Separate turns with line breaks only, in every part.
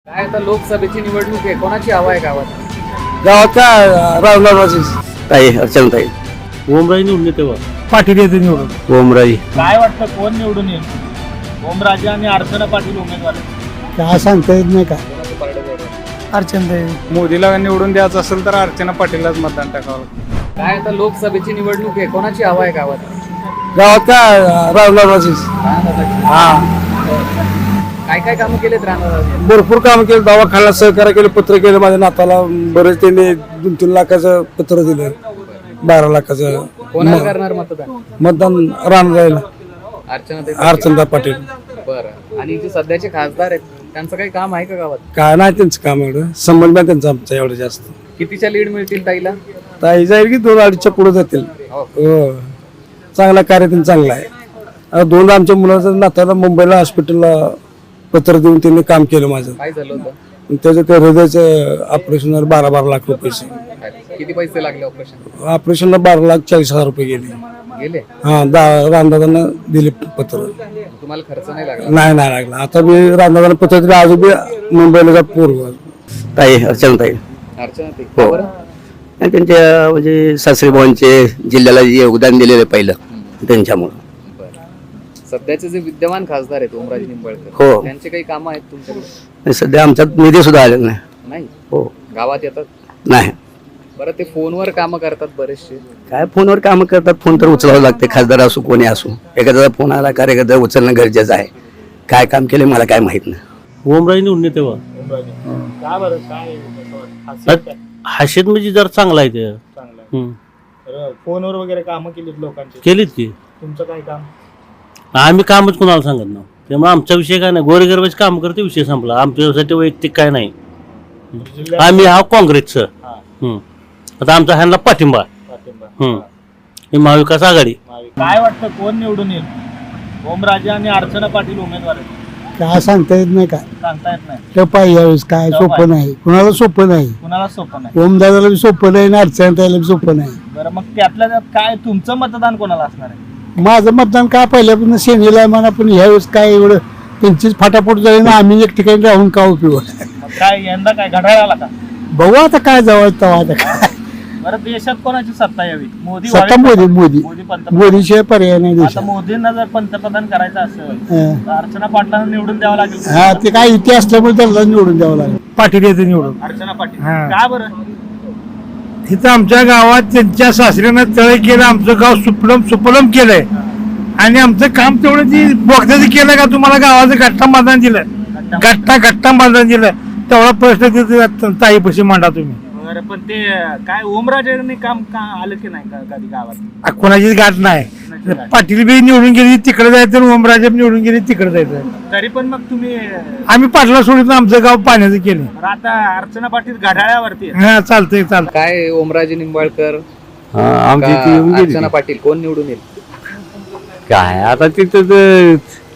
काय आता लोकसभेची निवडणूक आहे, कोणाची हवा आहे गावात?
गावाचा रावणाची
ताई अर्चनाताई
ओमराजे निवडून तेव्हा
पाटील येते निवडून.
ओमराई
काय वाटतं कोण निवडून येईल? ओमराजे आणि अर्चना पाटील उमेदवार आहेत.
काय सांगता येत नाही का.
कोणाचं पारडं जड आहे?
अर्चना
मोदीला निवडून द्यायचं असेल तर अर्चना पाटीललाच मतदान टाकावं लागतं.
काय आता लोकसभेची निवडणूक आहे, कोणाची हवा आहे गावात?
गावाचा रावणाची. हा
काय काय कामं केलेत राहणार?
भरपूर काम केलं, दवाखान्याला सहकार्य केलं, पत्र केलं माझ्या नाताला. बरेच त्यांनी 2-3 लाखाचं पत्र दिलं, 12 लाखाचं
कोणाला करणार मतदान?
मतदान राम जायला
अर्चना
अर्चना पाटील.
बरं. आणि जे सध्याचे खासदार आहेत त्यांचं काही काम आहे का गावात?
काय नाही त्यांचं काम एवढं, संबंध नाही त्यांचा आमचा एवढं जास्त.
कितीच्या लीड मिळतील ताईला?
ताई जाईल की 2-2.5च्या पुढे जातील. हो, चांगला कार्य त्यांनी चांगला आहे. आता 2 आमच्या मुलाचं नाताला मुंबईला हॉस्पिटलला पत्र देऊन त्यांनी काम केलं माझं.
काय झालं होतं?
त्याचं ते हृदयाचं ऑपरेशन 12 लाख रुपये.
किती पैसे लागले ऑपरेशन?
ऑपरेशनला 12,40,000 रुपये गेले.
गेले?
हा, रामदादांना दिले पत्र.
तुम्हाला खर्च नाही लागला?
नाही लागला. आता मी रामदादांना पत्र दिलं, अजून बी मुंबईला जा पूर्व.
ताई अर्चनाताई
अर्चना ताई.
हो.
बरं.
आणि त्यांच्या म्हणजे सासरीभावांचे जिल्ह्याला जे योगदान दिलेलं पहिलं त्यांच्यामुळं.
सध्याचे जे विद्यमान खासदार आहेत ओमराजे निंबाळकर,
हो.
त्यांचे काही कामं आहेत तुमच्याकडे?
आणि सध्या आमच्यात निधी सुद्धा आलेला नाही.
नाही.
हो
गावात येतात?
नाही.
बरं, ते फोनवर कामं करतात बरेचसे.
काय फोनवर कामं करतात, फोन तर उचलावं लागते, खासदार असो कोणी असो. एखाद्याचा फोन आला कार्यकर्ता उचलणं गरजेचं आहे. काय काम केलं मला काय माहित नाही.
ओमराजे निवडून तेव्हा
का बरं काय
हास्यात म्हणजे जर चांगला आहे ते.
फोनवर वगैरे कामं केलीत लोकांची,
केलीत की
तुमचं काय काम?
आम्ही कामच कोणाला सांगत ना, त्यामुळे आमचा विषय काय नाही. गोरगरिबाचे काम करते, विषय संपला. आमच्यासाठी वैयक्तिक काय नाही. आम्ही हा काँग्रेसचं. आता आमचा ह्यांना पाठिंबा. ही महाविकास आघाडी.
काय वाटतं कोण निवडून येईल? ओमराजे आणि अर्चना पाटील उमेदवार आहेत.
काय सांगता येत नाही का.
सांगता येत नाही.
ते पाहिजे यावेळेस काय सोपं नाही, कुणाला सोपं नाही.
कुणाला सोपं नाही.
ओमदादाला बी सोपं नाही आणि अर्चनाताईला बी सोपं नाही.
बरं, मग त्यातल्या त्यात काय तुमचं मतदान कोणाला असणार आहे?
माझं मतदान काय पहिल्यापासून सेनेला आहे म्हणा, पण ह्यावेळेस काय एवढं त्यांचीच फाटाफूट झाली ना, आम्ही एक ठिकाणी राहून का उपयोग.
मग काय यंदा काय घड्याळाला का?
बघू आता काय जवळ तेव्हा आता काय.
बरं, देशात कोणाची सत्ता यावी? मोदी
सत्ता
व्हावे?
मोदी
मोदी पंतप्रधान.
मोदीशिवाय पर्याय नाही
आता
देशात.
मोदींना जर पंतप्रधान करायचं असेल
हं.
तर अर्चना पाटलांना निवडून द्यावं लागेल.
हा, ते काय इथे असल्यामुळे त्यांना निवडून द्यावं लागेल. पाटील येते निवडून.
अर्चना पाटील.
हा.
का बरं?
तिथं आमच्या गावात त्यांच्या सासऱ्यानं तळे केलं, आमचं गाव सुपलम केलंय. आणि आमचं काम तेवढं ती बोगद्याचं केलं का, तुम्हाला गावाचं गट्टा बांधून दिलं, गट्टा बांधून दिलं, तेवढा प्रश्न तिथे ताईपाशी मांडा तुम्ही.
बरं, पण ते काय ओमराजेंनी काम का आलं की नाही का कधी गावात?
कोणाचीच गाठ नाही. पाटील बी निवडून गेली तिकडे जायचं, ओमराजे निवडून गेली तिकडे जायचं.
तरी पण मग तुम्ही
आम्ही पाटला सोडित आमचं गाव पाण्याचं केलं.
आता अर्चना पाटील घड्याळ्यावरती आहे.
हा, चालतंय.
काय ओमराजे निंबाळकर
आमची
का
ती येऊन गेली.
अर्चना पाटील, कोण निवडून येईल?
काय आता तिथं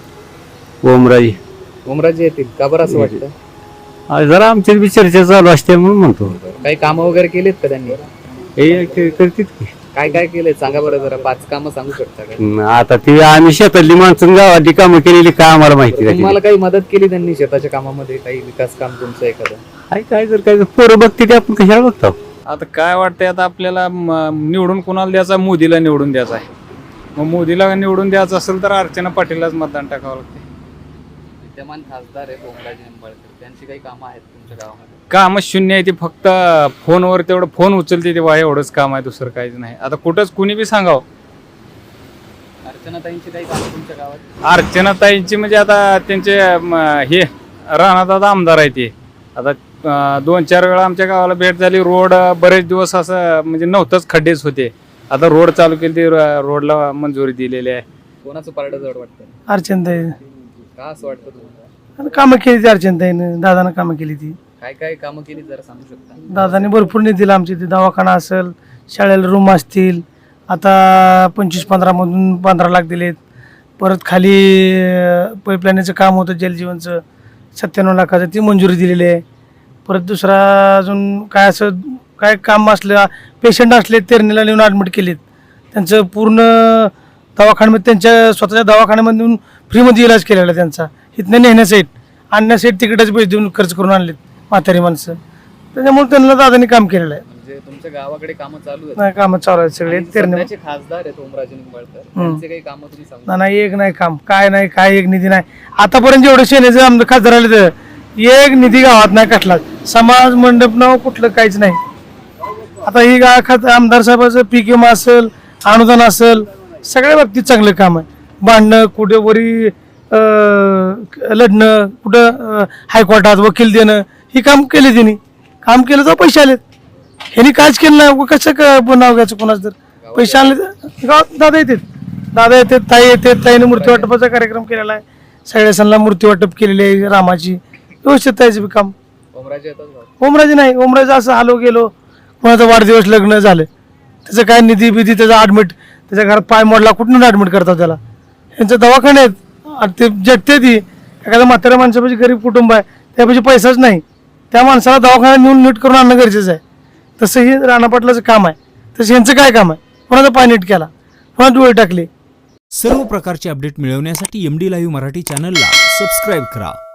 ओमराई
ओमराजे येतील का बरं असं वाटतं?
जरा आमची बी चर्चा चालू असते म्हणून म्हणतो.
काही कामं वगैरे केलीत का त्यांनी?
करतीत की.
काय काय केलंय सांगा बरं, जरा 5 कामं सांगू शकता का?
आता ती आम्ही शेतातली माणसं गावातली कामं केलेली काय आम्हाला माहिती नाही.
तुम्हाला काही मदत केली त्यांनी शेताच्या कामामध्ये? काही विकास काम तुमचं एखादं?
काय जर काय पोरं बघते ते आपण कशाला बघतो.
आता काय वाटतंय, आता आपल्याला निवडून कोणाला द्यायचा? मोदीला निवडून द्यायचा आहे. मग मोदीला निवडून द्यायचं असेल तर अर्चना पाटीललाच मतदान टाकावं लागते.
विद्यमान खासदार आहेत ओमराजे निंबाळकर, त्यांची काही कामं आहेत तुमच्या गावामध्ये?
कामच शून्य आहे. ती फक्त फोनवर तेवढं फोन उचलते तेव्हा, एवढंच काम आहे, दुसरं काहीच नाही. आता कुठंच कुणी बी सांगावं.
अर्चनाताईंची काही कामं तुमच्या गावात?
अर्चनाताईंची म्हणजे आता त्यांचे हे राणादादा आमदार आहे ते. आता 2-4 वेळा आमच्या गावाला भेट झाली. रोड बरेच दिवस असं म्हणजे नव्हतंच, खड्डेच होते. आता रोड चालू केली, ती रोडला मंजुरी दिलेली आहे.
कोणाचं पारडं जड वाटतं?
अर्चनाताई
का असं वाटतं तुम्हाला?
कामं केली ती, अर्चनाताईनं दादानं कामं केली ती.
काय काय कामं केली जरा सांगू शकता?
दादाने भरपूर निधी दिला. आमच्या इथे दवाखाना असेल, शाळेला रूम असतील. आता 25-15 मधून 15 लाख दिलेत. परत खाली पाईपलाईनचं काम होतं जलजीवनचं, 97 लाखाचं, ती मंजुरी दिलेली आहे. परत दुसरा अजून काय असं काय काम असलं, पेशंट असले तेरणीला नेऊन ॲडमिट केलेत, त्यांचं पूर्ण दवाखान्यामध्ये, त्यांच्या स्वतःच्या दवाखान्यामधून फ्रीमध्ये इलाज केलेला त्यांचा. इथनं नेण्यासाठी आणण्यासाठी तिकीटाचे पैसे देऊन खर्च करून आणलेत म्हातारी माणसं. त्याच्यामुळे त्यांना दादानी काम केलेलं आहे.
म्हणजे तुमच्या गावाकडे कामं चालू आहेत
नाही कामं चालू आहेत सगळे
आणि
तेरणे.
सध्याचे खासदार आहेत ओमराजे निंबाळकर, त्यांचे काही कामं तुम्ही सांगू
नाही एक नाही काम काय नाही काय एक निधी नाही. आतापर्यंत जेवढे सेनेचे आमदार खासदार आले तर एक निधी गावात नाही कटला. समाज मंडप नाव कुठलं काहीच नाही. आता ही आमदार साहेबाचं पीक विमा असेल, अनुदान असेल, सगळ्या बाबतीत चांगलं काम आहे. भांडणं कुठे वरी लढणं, कुठं हायकोर्टात वकील देणं, ही काम केले त्यांनी. काम केलं तर पैसे आलेत. ह्यांनी काहीच केलं नाही. कसं नाव घ्यायचं कोणाच तर पैसे आणले तर गावात दादा येतात, ताई येतात. ताईने मूर्ती वाटपाचा कार्यक्रम केलेला आहे. सगळ्या सणाला मूर्ती वाटप केलेली आहे रामाची. व्यवस्थित ताईचं बी काम.
ओमराजे येतात गावात.
ओमराजे नाही, ओमराजे असं आलो गेलो, कोणाचा वाढदिवस लग्न झालं त्याचं काय निधी बिधी त्याचा ॲडमिट, त्याच्या घरात पाय मोडला कुठून ॲडमिट करतात त्याला. यांचं दवाखाने आहेत ते झटते ती. एखाद्या म्हाताऱ्या माणसापाशी गरीब कुटुंब आहे त्यापाशी पैसाच नाही, त्या माणसाला दवाखान्यात नेऊन नीट करून आणणं गरजेचं आहे. तसं हे राणा पाटलाचं काम आहे. तसं यांचं काय काम आहे, कोणाचा पाय नीट केला, कोणा डोळे टाकले.
सर्व प्रकारचे अपडेट मिळवण्यासाठी MD लाईव्ह मराठी चॅनलला सबस्क्राईब करा.